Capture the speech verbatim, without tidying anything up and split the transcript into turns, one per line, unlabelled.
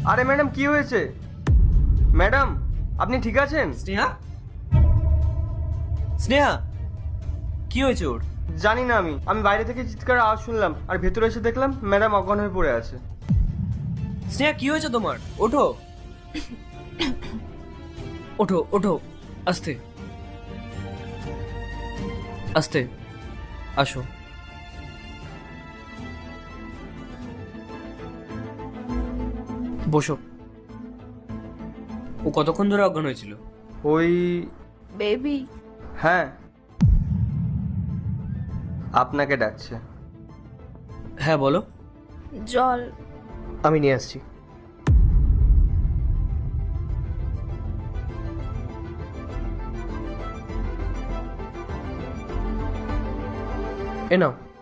আরে ম্যাডাম কি হয়েছে? ম্যাডাম আপনি ঠিক আছেন?
স্নেহা স্নেহা কি হয়েছে ওর?
জানি না, আমি আমি বাইরে থেকে চিৎকার আওয়াজ শুনলাম আর ভেতরে এসে দেখলাম ম্যাডাম অজ্ঞান হয়ে পড়ে আছে।
স্নেহা কি হয়েছে তোমার? ওঠো ওঠো ওঠো, আস্তে আস্তে, আসো। বসো। ও কতক্ষণ ধরে অজ্ঞান হয়েছিল?
ওই
বেবি,
হ্যাঁ, আপনাকে ডাকছে।
হ্যাঁ বলো।
জল।
আমি নিয়ে আসছি। এ নাও।